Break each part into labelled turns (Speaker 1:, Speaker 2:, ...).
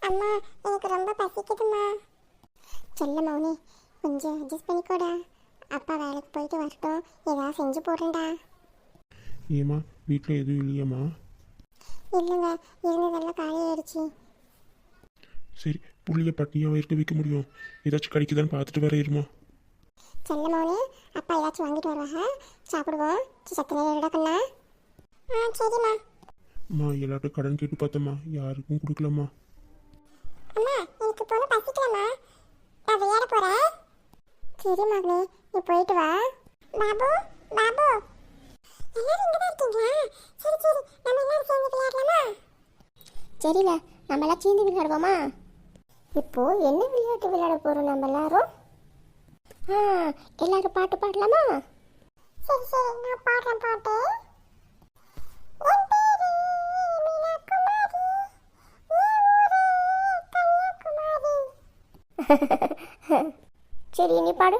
Speaker 1: அம்மா எனக்கு ரொம்ப பசிக்குதுமா. சொல்ல மௌனி, கொஞ்சம் அட்ஜஸ்ட் பண்ணிக்கோடா. அப்பா வேலைக்கு போயிட்டு வரட்டும், ஏதாவது செஞ்சு போடுறேன்டா.
Speaker 2: ஏம்மா வீட்டில் எதுவும் இல்லையாம்மா?
Speaker 1: இல்லைங்க, இருந்ததெல்லாம் காலியாயிடுச்சு.
Speaker 2: சரி, புள்ளிய பட்டினியாக இருக்க வைக்க முடியும். ஏதாச்சும் கிடைக்குதான்னு பார்த்துட்டு வர இருமா.
Speaker 1: சொல்ல மௌனி, அப்பா ஏதாச்சும் வாங்கிட்டு வருவாங்க, சாப்பிடுவோம். சத்து நேரம் கண்ணா. சரிம்மா.
Speaker 2: அம்மா எல்லார்ட்டும் கடன் கேட்டு பார்த்தம்மா, யாருக்கும் கொடுக்கலம்மா.
Speaker 1: அம்மா எனக்கு போன பசிக்கலம்மா, நான் விளையாட போறேன். சரி மகளே, நீ போயிட்டு வா. பாபு, பாபு, எல்லாரும் இங்கே தான் இருக்கீங்களா? சரி சரி, நம்ம எல்லாரும் சேர்ந்து விளையாடலாமா? சரில, நம்ம எல்லாம் சேர்ந்து விளையாடுவோமா? இப்போ என்ன விளையாட்டு விளையாட போறோம் நம்ம எல்லாரும்? எல்லாரும் பாட்டு பாடலாமா? சரி சரி, நான் பாடுறேன் பாட்டு. என் பேரு மீனாகுமாரி, என் ஊரு கன்னியாகுமரி. சரி, நீ பாடு.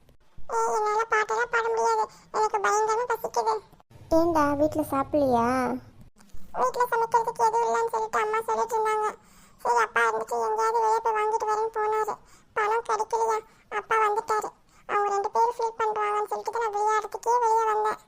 Speaker 1: என்னால பாட்டெல்லாம் பாட முடியாது, எனக்கு பயங்கரமா பசிக்குது. ஏண்டா வீட்டில் சாப்பிடலையா? வீட்டில் சமைக்கிறதுக்கு எதுவும் இல்லைன்னு சொல்லிட்டு அம்மா சொல்லிட்டு இருந்தாங்க. சரி, அப்பா இருந்துட்டு எங்கேயாவது வெளியே போய் வாங்கிட்டு வரேன்னு போனாரு. பணம் கிடைக்கலையா, அப்பா வந்துட்டாரு. அவங்க 2 பேரும் ஃபீல் பண்ணுவாங்கன்னு சொல்லிட்டு நான் விளையாடுறதுக்கே வெளியே வந்தேன்.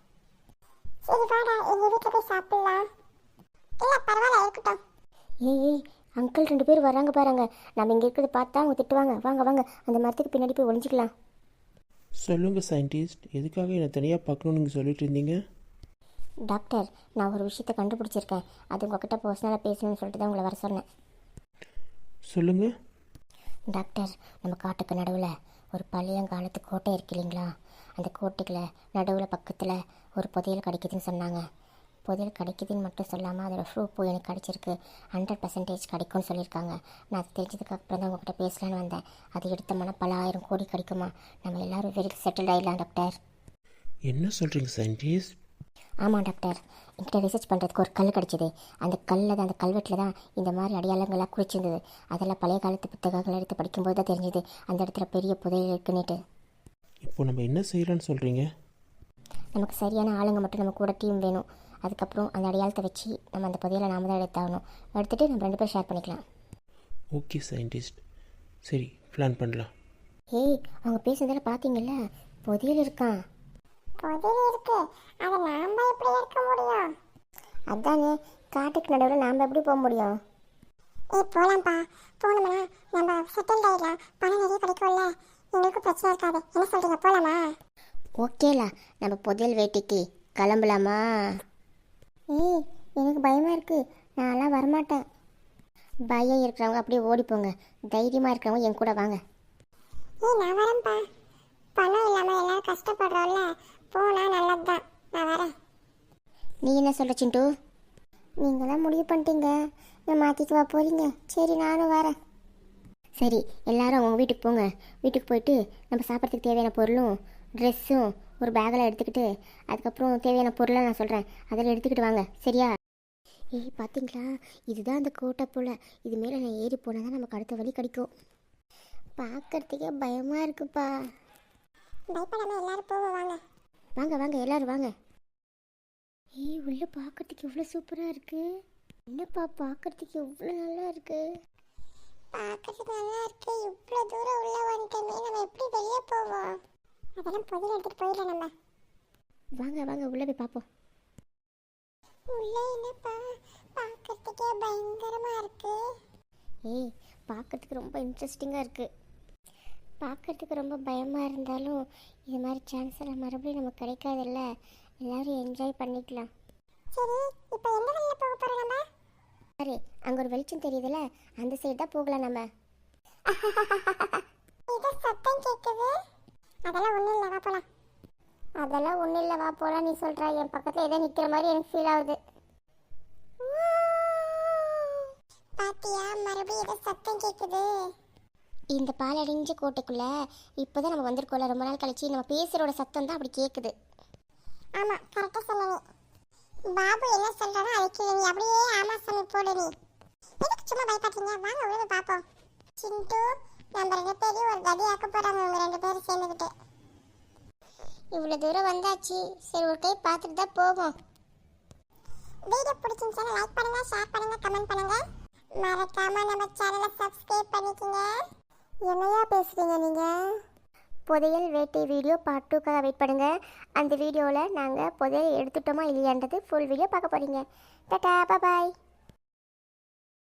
Speaker 1: சரி வாடா, எங்கள் வீட்டில் போய் சாப்பிடலாம். இல்லை பரவாயில்ல, இருக்கட்டும்.
Speaker 3: ஏய் அங்கிள் 2 பேர் வராங்க பாருங்க. நம்ம இங்கே இருக்கிறத பார்த்தா அவங்க திட்டுவாங்க. வாங்க வாங்க, அந்த மரத்துக்கு பின்னாடி போய் ஒளிஞ்சிக்கலாம்.
Speaker 4: சொல்லுங்கள் சயின்டிஸ்ட், எதுக்காக என்னை தனியாக பார்க்கணுன்னு நீங்கள் சொல்லிட்டு இருந்தீங்க?
Speaker 3: டாக்டர், நான் ஒரு விஷயத்தை கண்டுபிடிச்சிருக்கேன். அது உங்ககிட்ட பர்சனலாக பேசணும்னு சொல்லிட்டு தான் உங்களை வர சொன்னேன்.
Speaker 4: சொல்லுங்கள்.
Speaker 3: டாக்டர், நம்ம காட்டுக்கு நடுவில் ஒரு பழையங்காலத்து கோட்டை இருக்கு இல்லைங்களா? அந்த கோட்டைக்குள்ள நடுவில் பக்கத்தில் ஒரு புதையல் கிடைக்குதுன்னு சொன்னாங்க. புதையல் கிடைக்குதுன்னு மட்டும் சொல்லாமல் அதோடய ப்ரூஃப் எனக்கு கிடச்சிருக்கு. 100% கிடைக்கும்னு சொல்லியிருக்காங்க. நான் அது தெரிஞ்சதுக்கு அப்புறம் தான் உங்கள்கிட்ட பேசலான்னு வந்தேன். அது எடுத்தோம்னா பல 1000 கோடி கிடைக்குமா? நம்ம எல்லோரும் வெரி செட்டில் ஆகிடலாம் டாக்டர்.
Speaker 4: என்ன சொல்கிறீங்க சயின்டிஸ்ட்?
Speaker 3: ஆமாம் டாக்டர், என்கிட்ட ரிசர்ச் பண்ணுறதுக்கு ஒரு கல் கிடச்சிது. அந்த கல்லில் தான், அந்த கல்வெட்டில் தான் இந்த மாதிரி அடையாளங்கள்லாம் குறிச்சிருந்தது. அதெல்லாம் பழைய காலத்து புத்தகங்கள் எடுத்து படிக்கும்போது தான் தெரிஞ்சுது அந்த இடத்துல பெரிய புதையல் இருக்குன்னுட்டு.
Speaker 4: இப்போ நம்ம என்ன செய்யலான்னு சொல்கிறீங்க?
Speaker 3: நமக்கு சரியான ஆளுங்க மட்டும் நம்ம கூட டீம் வேணும். அதுக்கப்புறம் அந்த அடையாளத்தை வச்சு நம்ம அந்த புதையலை நாம தான் எடுத்தாகணும். எடுத்துகிட்டு நம்ம 2 பேரும் ஷேர் பண்ணிக்கலாம்.
Speaker 4: ஓகே சயின்டிஸ்ட், சரி பிளான் பண்ணலாம்.
Speaker 3: ஏய், அவங்க பேசுனதெல்லாம் பார்த்தீங்கல்ல, புதையல் இருக்கான்.
Speaker 1: புதையல் இருக்கு, அதை நாம எப்படி எடுக்க முடியும்?
Speaker 3: அதானே, காட்டுக்கு நடுவில் நாம் எப்படி போக முடியும்?
Speaker 1: போலாம்ப்பா. போனோம்னா நம்ம செட்டில் ஆகிடலாம், பணம் நிறைய கிடைக்கும்ல, எங்களுக்கு பிரச்சனை இருக்காது. என்ன சொல்றீங்க, போலாமா?
Speaker 3: ஓகேலா, நம்ம புதையல் வேட்டைக்கு கிளம்பலாமா? ஏய், எனக்கு பயமாக இருக்குது, நான்லாம் வரமாட்டேன். பயம் இருக்கிறவங்க அப்படியே ஓடிப்போங்க, தைரியமாக இருக்கிறவங்க என் கூட வாங்க.
Speaker 1: நான் வரேன்ப்பா. பணம் இல்லாமல் எல்லாரும் கஷ்டப்படுறோம்ல, போனால் நல்லது தான். நான் வரேன்.
Speaker 3: நீ என்ன சொல்கிற சிண்டு? நீங்களாம் முடிவு பண்ணிட்டீங்க, நான் மாற்றிக்குவா போகிறீங்க. சரி, நானும் வரேன். சரி, எல்லாரும் அவங்க வீட்டுக்கு போங்க. வீட்டுக்கு போயிட்டு நம்ம சாப்பிட்றதுக்கு தேவையான பொருளும் ட்ரெஸ்ஸும் ஒரு பேக்கில் எடுத்துக்கிட்டு, அதுக்கப்புறம் தேவையான பொருளை நான் சொல்கிறேன், அதில் எடுத்துக்கிட்டு வாங்க, சரியா? ஏய் பார்த்தீங்களா, இதுதான் அந்த கோட்டை போல். இது மேலே நான் ஏறி போனால் தான் நமக்கு அடுத்த வழி கிடைக்கும். பார்க்கறதுக்கே பயமாக இருக்குப்பா.
Speaker 1: பயப்படாமல் எல்லாரும் போவாங்க.
Speaker 3: வாங்க வாங்க, எல்லோரும் வாங்க. ஏய், உள்ளே பார்க்கறதுக்கு எவ்வளோ சூப்பராக இருக்குது. என்னப்பா பார்க்கறதுக்கு எவ்வளோ நல்லா இருக்குது.
Speaker 1: பார்க்கறதுக்கு நல்லா இருக்கு. இவ்வளோ தூரம் உள்ள வந்துட்டோமே, நம்ம எப்படி வெளியே போவோம்? அதெல்லாம் புதையல் எடுத்துட்டு போயிடலாம் நம்ம.
Speaker 3: வாங்க வாங்க, உள்ளே போய் பார்ப்போம்.
Speaker 1: உள்ளே என்னப்பா, பார்க்கறதுக்கே பயங்கரமா இருக்கு.
Speaker 3: ஏய், பார்க்கறதுக்கு ரொம்ப இன்ட்ரெஸ்டிங்காக இருக்குது. பார்க்கறதுக்கு ரொம்ப பயமாக இருந்தாலும் இது மாதிரி சான்ஸ் எல்லாம் மறுபடியும் நமக்கு கிடைக்காதுல்ல. எல்லோரும் என்ஜாய் பண்ணிக்கலாம்.
Speaker 1: சரி, இப்போ எந்த வழியில் போக போகிறோம் நம்ம?
Speaker 3: சரி, அங்கே ஒரு வெளிச்சம் தெரியுதுல்ல, அந்த சைடு தான் போகலாம் நம்ம.
Speaker 1: இது சத்தம் கேட்குது. அதெல்லாம் ஒன்றும் இல்லை, வா போகலாம்.
Speaker 3: அதெல்லாம் ஒன்றும் இல்லை, வா போகலாம். நீ சொல்கிறா, என் பக்கத்தில் ஏதோ நிற்கிற மாதிரி எனக்கு ஃபீல் ஆகுது.
Speaker 1: பாத்தியா, மறுபடியும் ஏதோ சத்தம் கேட்குது.
Speaker 3: இந்த பாலடைஞ்ச கோட்டைக்குள்ளே இப்போ தான் நம்ம வந்திருக்கோம்ல, ரொம்ப நாள் கழிச்சு நம்ம பேசுகிறோட சத்தம் தான் அப்படி கேட்குது.
Speaker 1: ஆமாம், கரெக்டாக சொன்னீங்க. பாபு என்ன சொல்கிறானோ அதுக்கு நீ அப்படியே ஆமா சாமி போடு. நீ எதுக்கு சும்மா பயப்பட்டீங்க? வாங்க உள்ள போய் பார்ப்போம். சிண்டு, நம்ம 2 பேரையும் ஒரு கதியாக்க போகிறாங்க இவங்க 2 பேரும் சேர்ந்துக்கிட்டு.
Speaker 3: இவ்வளோ தூரம் வந்தாச்சு, சரி ஒரு கை பார்த்துட்டு தான் போவோம்.
Speaker 1: வீடியோ பிடிச்சிருந்துச்சுன்னா லைக் பண்ணுங்க, ஷேர் பண்ணுங்க, கமெண்ட் பண்ணுங்க. மறக்காம நம்ம சேனலை சப்ஸ்கிரைப் பண்ணிக்கங்க. என்னையா பேசுறீங்க நீங்க?
Speaker 3: புதையல் வேட்டை வீடியோ பார்ட் 2க்காக வெயிட் பண்ணுங்க. அந்த வீடியோவில் நாங்கள் புதையல் எடுத்துட்டோமா இல்லையான்றது ஃபுல் வீடியோ பார்க்க போகிறீங்க. டாடா பாய்.